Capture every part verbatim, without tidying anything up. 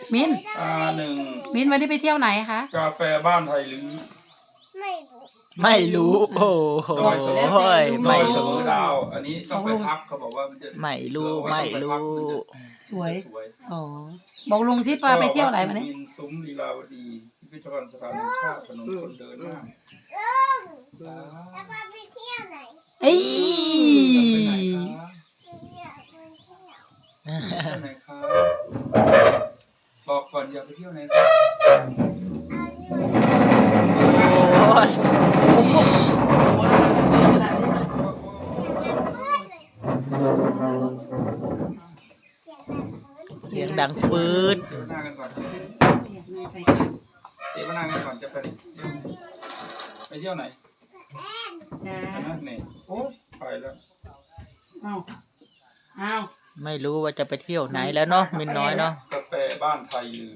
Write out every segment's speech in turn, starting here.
มินอ่าหนึ่งมินวันนี้ไปเที่ยวไหนคะกาแฟบ้านไทยหรือไม่รู้ไม่รู้โอ้โหดอยเสมอไม่ดอยเสรู้มอดาว อันนี้ต้องไปพักเขาบอกว่ามันจะไม่รู้ไม่รู้สวยสวยอ๋อบอกลุงสิปาไปเที่ยวไหนมาเนี่ยมินซุ้มลีลาวดีพิพิธภัณฑ์สถานแห่งชาติถนนคนเดินหน้าลุงแล้วพาไปเที่ยวไหนเอ้ยอยากไปเที่ยวเที่ยวไหนครับบอกก่อนอยากไปเที่ยวไหนครับเอาที่ไหนโอ้ยเสียงดังปืดเดี๋ยวหน้ากันก่อนเดี๋ยวหน้ากันก่อนจะไปไปเที่ยวไหนจ้านะเนี่ยโอ้ไปแล้วเอาเอาไม่รู้ว่าจะไปเที่ยวไหนแล้วเนาะมินน้อยเนาะกาแฟบ้านไทยลือ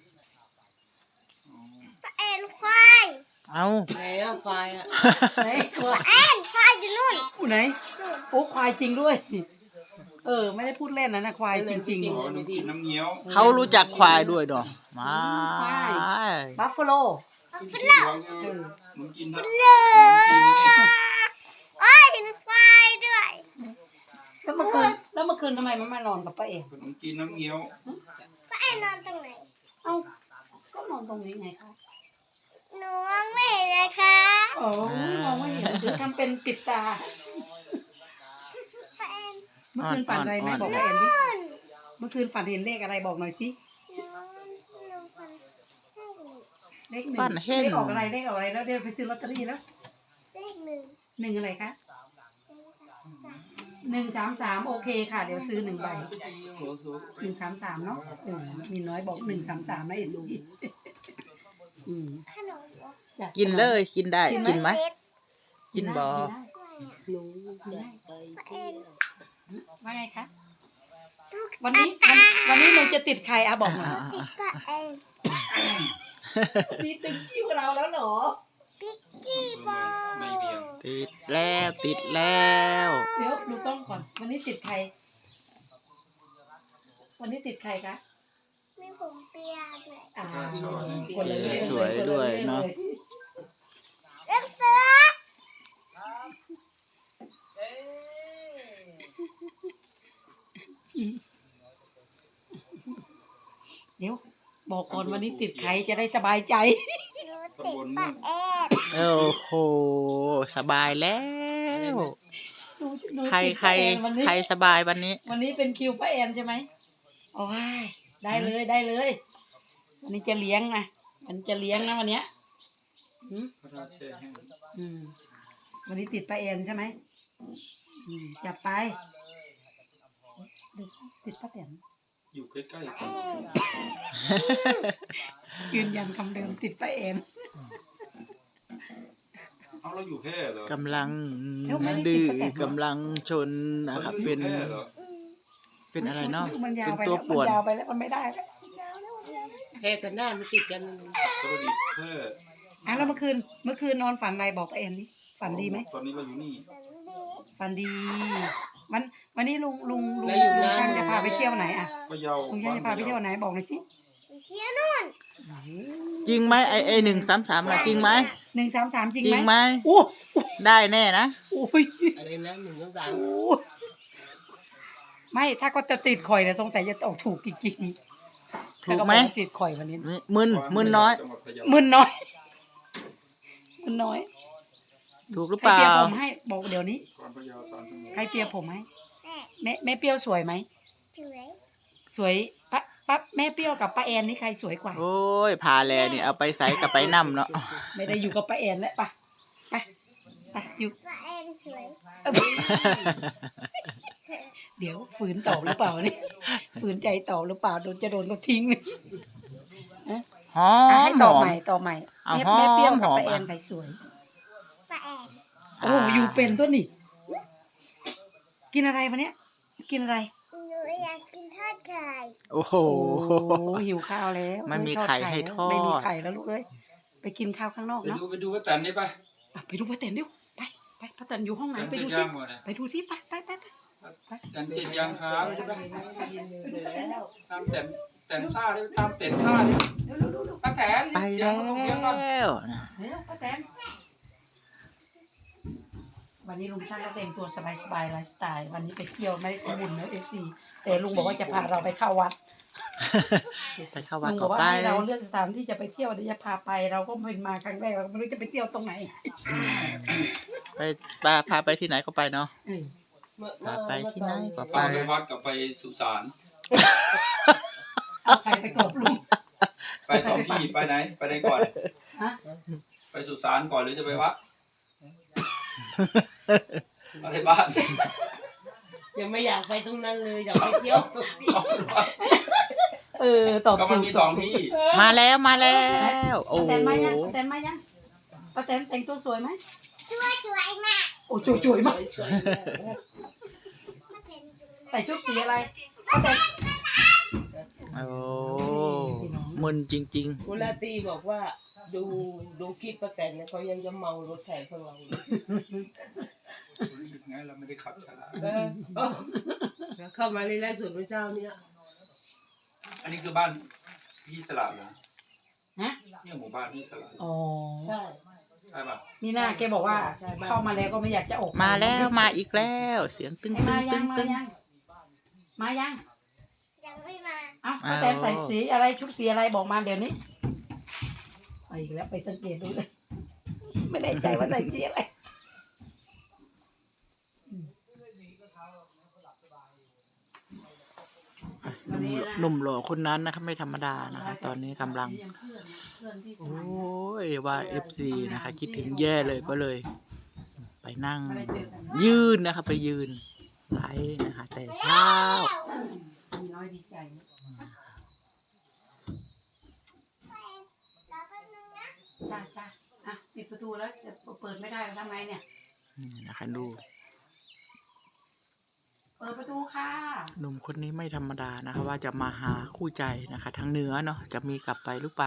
เอ็นควายเอาไหนอะควายอะไหนควายเอ็นควายอยู่นู่นอู้ไหนโอ้ควายจริงด้วย เออ ไม่ได้พูดเล่นนะนะควายจริงอ๋อน้ำกินน้ำเงี้ยวเขารู้จักควายด้วยเนาะมาๆบัฟฟาโลกินน้ำกินน้ำเลกินนี่โอ้ยเห็นควายด้วยแล้วเมื่อคืนแล้วเมื่อคืนทำไมมันมานอนกับป้าเอกขนมจีนน้ำเงี้ยวป้าแอนนอนตรงไหนเอ้าก็นอนตรงนี้ไงคะหนูมองไม่เห็นเลยค่ะโอ้มองไม่เห็นหรือทำเป็นปิดตาป้าแอนเมื่อคืนฝันอะไรไหมบอกป้าแอนดิเมื่อคืนฝันเห็นเลขอะไรบอกหน่อยสิน้องน้องคนให้เลขหนึ่งบ้านเห็นเลขออกอะไรเลขออกอะไรแล้วเดี๋ยวไปซื้อลอตเตอรี่แล้วเลขหนึ่งหนึ่งอะไรคะหนึ่งสามสามโอเคค่ะ เดี๋ยวซื้อหนึ่งใบหนึ่งสามสามเนาะเออมีน้อยบอกหนึ่งสามสามนะเอ็นดูอืมขนมเหรอจ้ะกินเลยกินได้กินไหมเล็กกินบ่ได้หนูอยากไปป้าแอเที่ยนวว่าไงคะวันนี้วันวันนี้หนูจะติดใครอะบอกหน่อยติดป้าแอนมีติดคิวเราแล้วเหรอพิกกี้บอลไม่เบียงติดแล้วติดแล้วเดี๋ยวดูกล้องก่อน วันนี้ติดใคร วันนี้ติดใครคะมีผมเปียด้วยอ่าคนละเรื่องสวยด้วยเนาะเล็บเสือเดี๋ยวบอกก่อนวันนี้ติดใครจะได้สบายใจหนูติดป้าแอนโอ้โหสบายแล้วดูดูใครติดใครป้าแอนวันนี้ใครสบายวันนี้วันนี้เป็นคิวป้าแอนใช่ไหมโอ้ยได้เลยได้เลย วันนี้จะเลี้ยงนะมันจะเลี้ยงนะวันเนี้ยอืมพระราชแห้งอืมวันนี้ติดป้าแอนใช่ไหมอืมจับไปดูติดป้าแตนอยู่ใกล้ๆกันยืนยันคำเดิมติดป้าแอนเอาเราอยู่แค่เหรอกำลังเอ้าไม่ได้ดื้อติดตั้งแต่กำลังชนนะครับเป็นแค่เหรอเป็นอะไรเนาะมันยาวเป็นไปตัวแล้วป่วนมันยาวไปแล้วมันไม่ได้แล้วแค่กันหน้ามันติดกันปกติแค่อ่ะแล้วเมื่อคืนเมื่อคืนนอนฝันอะไรบอกป้าแอนนี่ฝันดีไหมตอนนี้เราอยู่นี่ฝันดีวันวันนี้ลุงลุงลุงลุงช่างจะพาไปเที่ยวไหนอ่ะพะเยาลุงช่างจะพาไปเที่ยวไหนบอกหน่อยสิเที่ยวนู่นจริงไหมไอไอหนึ่งสามสามนะจริงไหมหนึ่งสามสามจริงจริงไหไหมมโอ้ได้แน่นะโอ้ยอะไรนะหนึ่งสองสามโอ้ไม่ถ้าก็จะติดข่อยนะสงสัยจะออกถูกจริงๆถูกไหมถ้าก็บอกว่าติดข่อยวันนี้มึนมึนน้อยจังหวัดพะเยามึนน้อยมึนน้อยถูกหรือใครเปล่าเปียผมให้บอกเดี๋ยวนี้ก่อนพะเยาสามชั่วโมงใครเปียผมให้แม่แม่แม่เปรี้ยวสวยไหมสวยสวยป้าป้าแม่เปรี้ยวกับป้าแอนนี่ใครสวยกว่าโอ้ยพาแลนี่เอาไปใส่กับไปนำเนาะไม่ได้อยู่กับป้าแอนแล้วไปไปไปอยู่ป้าแอนสวยเดี๋ยวฝืนตอบหรือเปล่าเนี่ยฝืนใจตอบหรือเปล่าโดนจะโดนก็ทิ้งเลยหออ่ะมให้หตอบอมใหม่ตอบใหม่เอาแม่หอมแม่เปรี้ยวกับหอมป้าแอนอ่ะใครสวยป้าแอนโอ้อยู่เป็นตัวนี่กินอะไรวะเนี้ยกินอะไรหนูอยากกินทอดไข่โอ้โหโอ้หิวข้าวแล้วไม่มีทอดไข่ให้ทอดไม่มีไข่แล้วลูกเอ้ยไปกินข้าวข้างนอกไปเนาะดูไปดูว่าแตนได้ปะอ่ะไปดูป้าแตนดิวไปไปป้าแตนอยู่ห้องไหนแตนไปเสร็ดูจสิยังหมดนะไปดูสิไปไปไปไปแตนเสร็จยังครับได้ปะตามแตนแตแต่นซ่าดิตามเต็นซ่าดิเร็วเร็วเร็วเร็วป้าแตนไปเสียแล้งเขาเสียงก่อนวนะเร็วป้าแตนวันนี้ลุงช่างก็แต่งตัวสบายๆไลฟ์สไตล์วันนี้ไปเที่ยวไม่ได้ทำบุญนะเอฟซีแต่ลุงบอกว่าจะพาเราไปเข้าวัดไปเข้าวัดลุงบก็อกว่าไปให้เราเลือกสถานที่จะไปเที่ยวเดี๋ยวจะพาไปเราก็เป็นมาครั้งแรกเราก็ไม่รู้จะไปเที่ยวตรงไหนไปพาพาไปที่ไหนก็ไปเนาะเออเมื่อพาไปที่ไหนก็ไปวัดกับไปสุสานเอาใครไปกบลุงไปสองที่ไปไหนไปไหนก่อนฮะไปสุสานก่อนหรือจะไปวัดอะไรบ้านยังไม่อยากไปตรงนั้นเลยอยากไปเที่ยวตรงนี้เออตอบก็ถูมันกมีสองที่มาแล้วมาแล้วโอ้ป้าโหแตนมายังป้าแตนมายังป้าแตนแต่งตัวสวยไหมช่วยช่วยมากโอ้จุ๋ยจุ๋ยมากช่วยใส่ชุดสีอะไรป้าแตนโอ้มึนจริงกุลาตีบอกว่าดูดูคลิปป้าแตนเนี่ยเขายังจะเมารถแทนพวกเราเลยไงเราไม่ได้ขับช้าเออเออเข้ามาในไลฟ์สดเมื่อเช้าเนี่ยอันนี้คือบ้านพี่สลับนะฮะเนี่ยหมู่บ้านพี่สลับอ๋อใช่ใช่ป่ะมีหน้าแกบอกว่าเข้ามาแล้วก็ไม่อยากจะออกๆ มาแล้วมาอีกแล้ว เสียงตึ้งให้ตึ้มาง ยัตึ้งงมาตึ้งยังมายังยังไม่มาเอ้าป้าแตนใส่สีอะไรชุดสีอะไรบอกมาเดี๋ยวนี้ไปอีกแล้วไปสังเกตดูเลยไม่แน่ใจว่าใส่สีอะไรหนุ่มหล่อคนนั้นนะครับไม่ธรรมดานะคะตอนนี้กำลัง โอ้ยว่าเอฟซีนะคะ คิดถึงแย่เลยก็เลย ไปนั่ง ยืนนะคะไปยืนไลฟ์นะคะ แต่เช้ามีน้อยดีใจนะแล้วก็นึงนะจ้าจ้าอ่ะปิดประตูแล้วจะเปิดไม่ได้แล้วทำไงเนี่ยนี่นะคะดูเปิดประตูค่ะหนุ่มคนนี้ไม่ธรรมดานะคะ ว่าจะมาหาคู่ใจนะคะทางเหนือเนาะจะมีกลับไปหรือเปล่า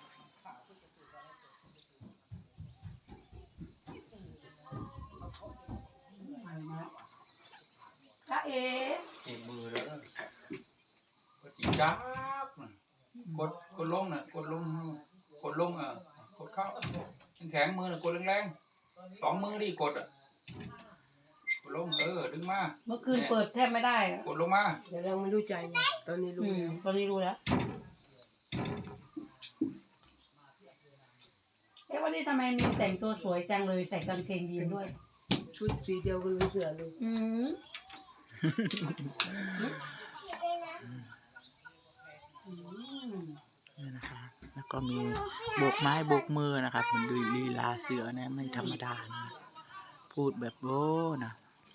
มาแล้วจ้าเอ๋เก็บมือแล้วนะกดจีจ้าบน่ะกดกดลงน่ะกดลงกดลงอ่ะกดเข้าแข็งๆมือน่ะกดแรงๆสองมือดิกดอ่ะกดลงเออดึงมาเมื่อคืนเปิดแทบไม่ได้กดลงมาเดี๋ยวเราไม่รู้ใจไงตอนนี้รู้อืมแล้วตอนนี้รู้แล้วเอ๊ะวันนี้ทำไมมีแต่งตัวสวยจังเลยใส่กางเกงยีนด้วยชุดสีเดียวกันเลยเสือเลยอืม อืมนี่นะคะ แล้วก็มีโบกไม้โบกมือนะครับมันดูลีลาเสือนะไม่ธรรมดานะพูดแบบโอ้นะ